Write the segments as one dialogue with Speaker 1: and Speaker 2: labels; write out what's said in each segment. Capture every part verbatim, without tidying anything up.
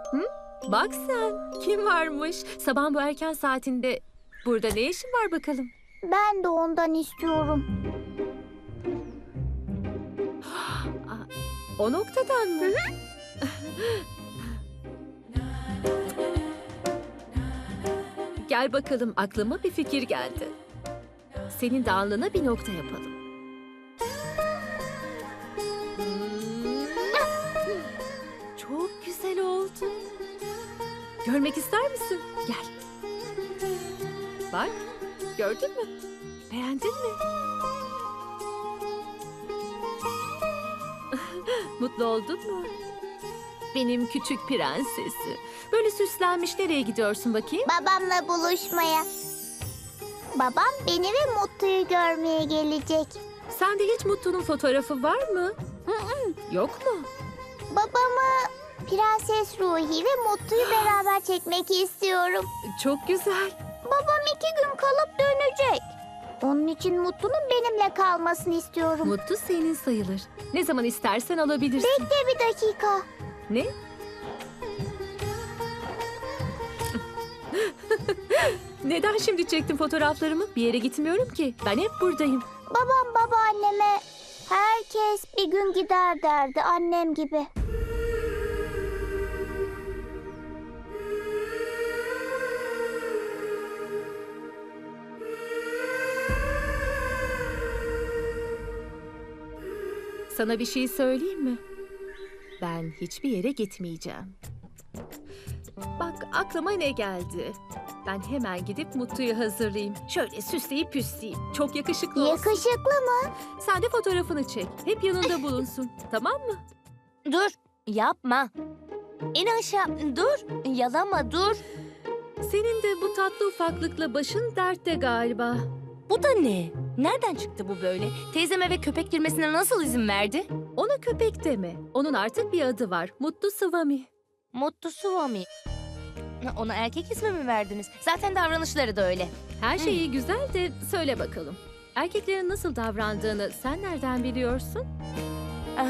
Speaker 1: Hı? Bak sen, kim varmış? Sabahın bu erken saatinde burada ne işin var bakalım?
Speaker 2: Ben de ondan istiyorum.
Speaker 1: Aa, o noktadan mı? Gel bakalım, aklıma bir fikir geldi. Senin de alnına bir nokta yapalım. Çok güzel oldu. Görmek ister misin? Gel. Bak, gördün mü? Beğendin mi? Mutlu oldun mu? Benim küçük prensesi. Böyle süslenmiş nereye gidiyorsun bakayım?
Speaker 2: Babamla buluşmaya. Babam beni ve Mutlu'yu görmeye gelecek.
Speaker 1: Sende hiç Mutlu'nun fotoğrafı var mı? Yok mu?
Speaker 2: Babamı, Prenses Ruhi ve Mutlu'yu beraber çekmek istiyorum.
Speaker 1: Çok güzel.
Speaker 2: Babam iki gün kalıp dönecek. Onun için Mutlu'nun benimle kalmasını istiyorum.
Speaker 1: Mutlu senin sayılır. Ne zaman istersen alabilirsin.
Speaker 2: Bekle bir dakika.
Speaker 1: Ne? Neden şimdi çektin fotoğraflarımı? Bir yere gitmiyorum ki. Ben hep buradayım.
Speaker 2: Babam babaanneme herkes bir gün gider derdi, annem gibi.
Speaker 1: Sana bir şey söyleyeyim mi? Ben hiçbir yere gitmeyeceğim. Bak aklıma ne geldi. Ben hemen gidip Mutlu'yu hazırlayayım. Şöyle süsleyip püsleyeyim. Çok yakışıklı olsun.
Speaker 2: Yakışıklı mı?
Speaker 1: Sen de fotoğrafını çek. Hep yanında bulunsun. Tamam mı?
Speaker 3: Dur, yapma. İn aşağı, dur, yalama, dur.
Speaker 1: Senin de bu tatlı ufaklıkla başın dertte galiba.
Speaker 3: Bu da ne? Nereden çıktı bu böyle? Teyzem eve köpek girmesine nasıl izin verdi?
Speaker 1: Ona köpek deme. Onun artık bir adı var. Mutlu Swami.
Speaker 3: Mutlu Swami. Ona erkek ismi mi verdiniz? Zaten davranışları da öyle.
Speaker 1: Her şey iyi güzel de söyle bakalım. Erkeklerin nasıl davrandığını sen nereden biliyorsun?
Speaker 3: Ah.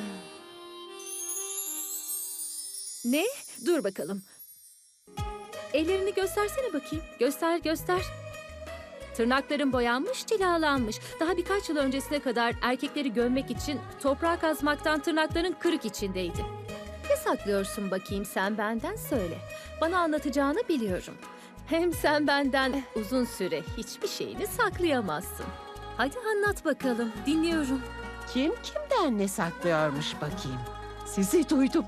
Speaker 1: Ne? Dur bakalım. Ellerini göstersene bakayım. Göster, göster. Tırnakların boyanmış, cilalanmış. Daha birkaç yıl öncesine kadar erkekleri gömmek için toprağa kazmaktan tırnakların kırık içindeydi. Ne saklıyorsun bakayım sen benden söyle. Bana anlatacağını biliyorum. Hem sen benden uzun süre hiçbir şeyini saklayamazsın. Hadi anlat bakalım, dinliyorum.
Speaker 4: Kim kimden ne saklıyormuş bakayım. Sizi duydum.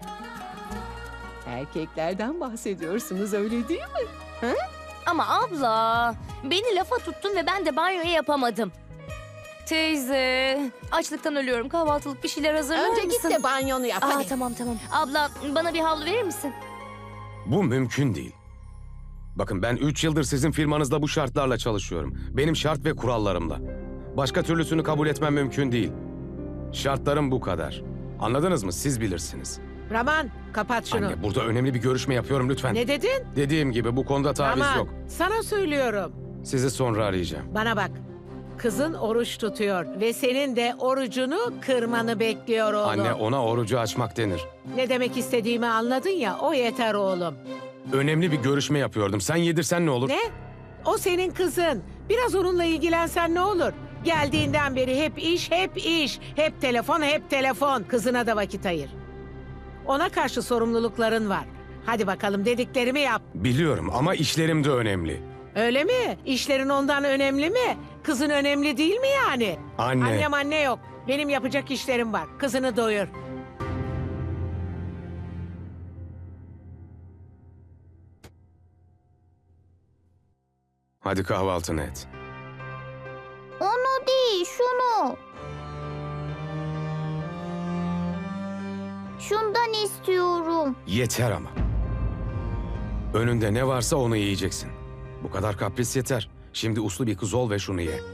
Speaker 4: Erkeklerden bahsediyorsunuz öyle değil mi?
Speaker 3: Ama abla, beni lafa tuttun ve ben de banyoyu yapamadım. Teyze, açlıktan ölüyorum. Kahvaltılık bir şeyler hazırlar
Speaker 4: Önce
Speaker 3: mısın?
Speaker 4: git de banyonu yap
Speaker 3: Aa,
Speaker 4: hadi.
Speaker 3: tamam tamam. Abla, bana bir havlu verir misin?
Speaker 5: Bu mümkün değil. Bakın ben üç yıldır sizin firmanızda bu şartlarla çalışıyorum. Benim şart ve kurallarımla. Başka türlüsünü kabul etmem mümkün değil. Şartlarım bu kadar. Anladınız mı? Siz bilirsiniz.
Speaker 4: Raman kapat şunu.
Speaker 5: Anne burada önemli bir görüşme yapıyorum lütfen.
Speaker 4: Ne dedin?
Speaker 5: Dediğim gibi bu konuda taviz
Speaker 4: Raman
Speaker 5: yok.
Speaker 4: sana söylüyorum.
Speaker 5: Sizi sonra arayacağım.
Speaker 4: Bana bak. Kızın oruç tutuyor ve senin de orucunu kırmanı bekliyor oğlum.
Speaker 5: Anne ona orucu açmak denir.
Speaker 4: Ne demek istediğimi anladın ya, o yeter oğlum.
Speaker 5: Önemli bir görüşme yapıyordum. Sen yedirsen ne olur?
Speaker 4: Ne? O senin kızın. Biraz onunla ilgilensen ne olur? Geldiğinden beri hep iş, hep iş. Hep telefon, hep telefon. Kızına da vakit ayır. Ona karşı sorumlulukların var. Hadi bakalım dediklerimi yap.
Speaker 5: Biliyorum ama işlerim de önemli.
Speaker 4: Öyle mi? İşlerin ondan önemli mi? Kızın önemli değil mi yani?
Speaker 5: Anne.
Speaker 4: Annem anne yok. Benim yapacak işlerim var. Kızını doyur.
Speaker 5: Hadi kahvaltını et.
Speaker 2: Onu değil, şunu. Şundan istiyorum.
Speaker 5: Yeter ama. Önünde ne varsa onu yiyeceksin. Bu kadar kapris yeter. Şimdi uslu bir kız ol ve şunu ye.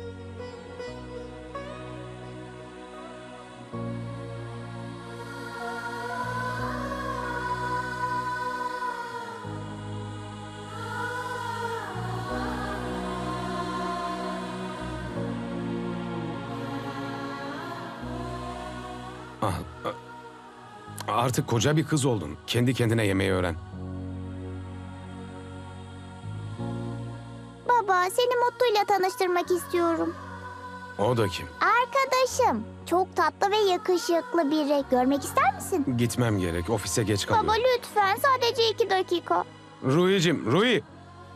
Speaker 5: Ah, ah, Artık koca bir kız oldun. Kendi kendine yemeği öğren.
Speaker 2: Baba, seni Mutlu'yla tanıştırmak istiyorum.
Speaker 5: O da kim?
Speaker 2: Arkadaşım. Çok tatlı ve yakışıklı biri. Görmek ister misin?
Speaker 5: Gitmem gerek. Ofise geç
Speaker 2: Baba
Speaker 5: kalıyorum.
Speaker 2: lütfen, sadece iki dakika.
Speaker 5: Ruhi'cim, Ruhi!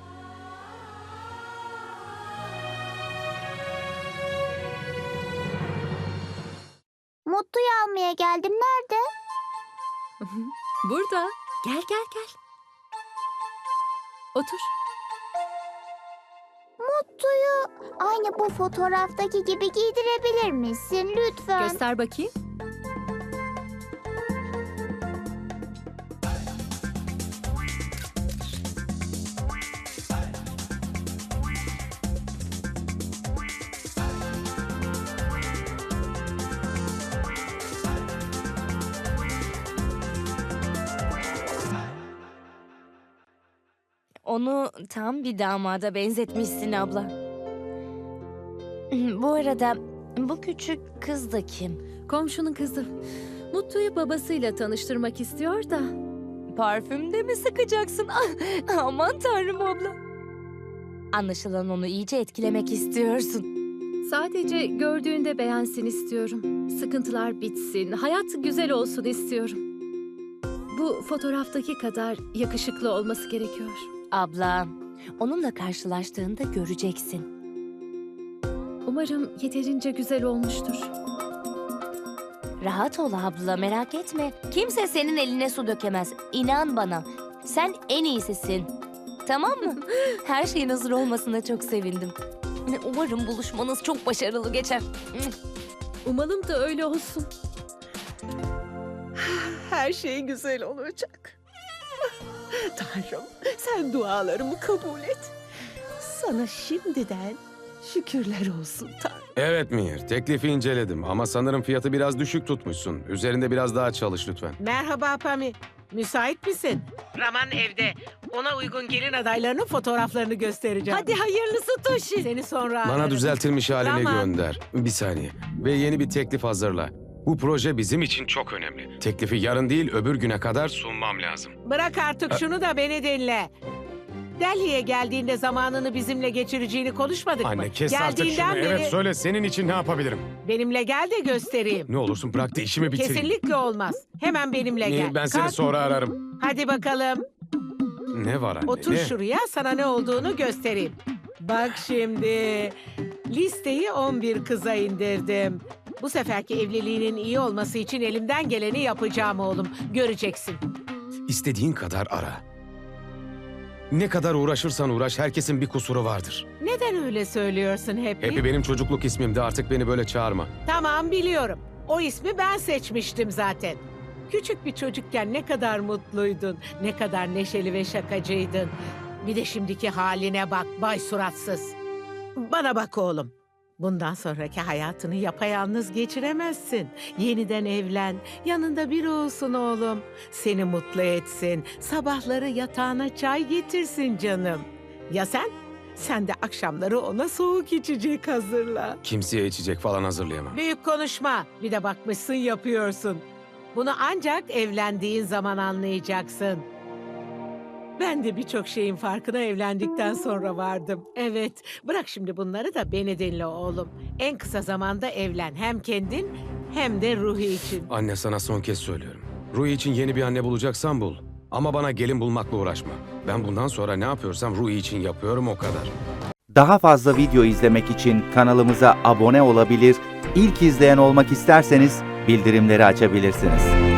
Speaker 2: Mutlu'yu almaya geldim. Nerede?
Speaker 1: Burada. Gel gel gel. Otur.
Speaker 2: Mutlu'yu aynı bu fotoğraftaki gibi giydirebilir misin lütfen?
Speaker 1: Göster bakayım.
Speaker 3: Onu tam bir damada benzetmişsin abla. Bu arada bu küçük kız da kim?
Speaker 1: Komşunun kızı. Mutlu'yu babasıyla tanıştırmak istiyor da.
Speaker 3: Parfüm de mi sıkacaksın? Ah, aman tanrım abla. Anlaşılan onu iyice etkilemek istiyorsun.
Speaker 1: Sadece gördüğünde beğensin istiyorum. Sıkıntılar bitsin, hayat güzel olsun istiyorum. Bu fotoğraftaki kadar yakışıklı olması gerekiyor.
Speaker 3: Abla, onunla karşılaştığında göreceksin.
Speaker 1: Umarım yeterince güzel olmuştur.
Speaker 3: Rahat ol abla, merak etme. Kimse senin eline su dökemez. İnan bana. Sen en iyisisin. Tamam mı? Her şeyin hazır olmasına çok sevindim. Umarım buluşmanız çok başarılı geçer.
Speaker 1: Umalım da öyle olsun.
Speaker 6: Her şey güzel olacak. Tanrım, sen dualarımı kabul et. Sana şimdiden şükürler olsun Tanrım.
Speaker 5: Evet Mihir, teklifi inceledim ama sanırım fiyatı biraz düşük tutmuşsun. Üzerinde biraz daha çalış lütfen.
Speaker 4: Merhaba Pami. Müsait misin? Raman evde. Ona uygun gelin adaylarının fotoğraflarını göstereceğim.
Speaker 6: Hadi hayırlısı Toshi.
Speaker 4: Seni sonra
Speaker 5: Bana
Speaker 4: ararım.
Speaker 5: düzeltilmiş halini
Speaker 4: Tamam.
Speaker 5: gönder. Bir saniye. Ve yeni bir teklif hazırla. Bu proje bizim için çok önemli. Teklifi yarın değil öbür güne kadar sunmam lazım.
Speaker 4: Bırak artık şunu da beni dinle. Delhi'ye geldiğinde zamanını bizimle geçireceğini konuşmadık mı?
Speaker 5: Anne kes artık
Speaker 4: Geldiğinden
Speaker 5: şunu.
Speaker 4: beri
Speaker 5: Evet söyle senin için ne yapabilirim?
Speaker 4: benimle gel de göstereyim.
Speaker 5: Ne olursun bırak da işimi bitireyim.
Speaker 4: Kesinlikle olmaz. Hemen benimle
Speaker 5: Nehir,
Speaker 4: gel.
Speaker 5: ben seni
Speaker 4: Kalk.
Speaker 5: sonra ararım.
Speaker 4: Hadi bakalım.
Speaker 5: Ne var anne?
Speaker 4: Otur
Speaker 5: ne?
Speaker 4: şuraya, sana ne olduğunu göstereyim. Bak şimdi. Listeyi on bir kıza indirdim. Bu seferki evliliğinin iyi olması için elimden geleni yapacağım oğlum. Göreceksin.
Speaker 5: İstediğin kadar ara. Ne kadar uğraşırsan uğraş herkesin bir kusuru vardır.
Speaker 4: Neden öyle söylüyorsun Happy?
Speaker 5: Happy benim çocukluk ismimdi, artık beni böyle çağırma.
Speaker 4: Tamam, biliyorum. O ismi ben seçmiştim zaten. Küçük bir çocukken ne kadar mutluydun, ne kadar neşeli ve şakacıydın. Bir de şimdiki haline bak, bay suratsız. Bana bak oğlum. Bundan sonraki hayatını yapayalnız geçiremezsin. Yeniden evlen, yanında biri olsun oğlum. Seni mutlu etsin, sabahları yatağına çay getirsin canım. Ya sen? Sen de akşamları ona soğuk içecek hazırla.
Speaker 5: Kimseye içecek falan hazırlayamam.
Speaker 4: Büyük konuşma. Bir de bakmışsın yapıyorsun. Bunu ancak evlendiğin zaman anlayacaksın. Ben de birçok şeyin farkına evlendikten sonra vardım. Evet, bırak şimdi bunları da beni dinle oğlum. En kısa zamanda evlen. Hem kendin hem de Ruhi için.
Speaker 5: Anne sana son kez söylüyorum. Ruhi için yeni bir anne bulacaksan bul. Ama bana gelin bulmakla uğraşma. Ben bundan sonra ne yapıyorsam Ruhi için yapıyorum, o kadar.
Speaker 7: Daha fazla video izlemek için kanalımıza abone olabilir, ilk izleyen olmak isterseniz bildirimleri açabilirsiniz.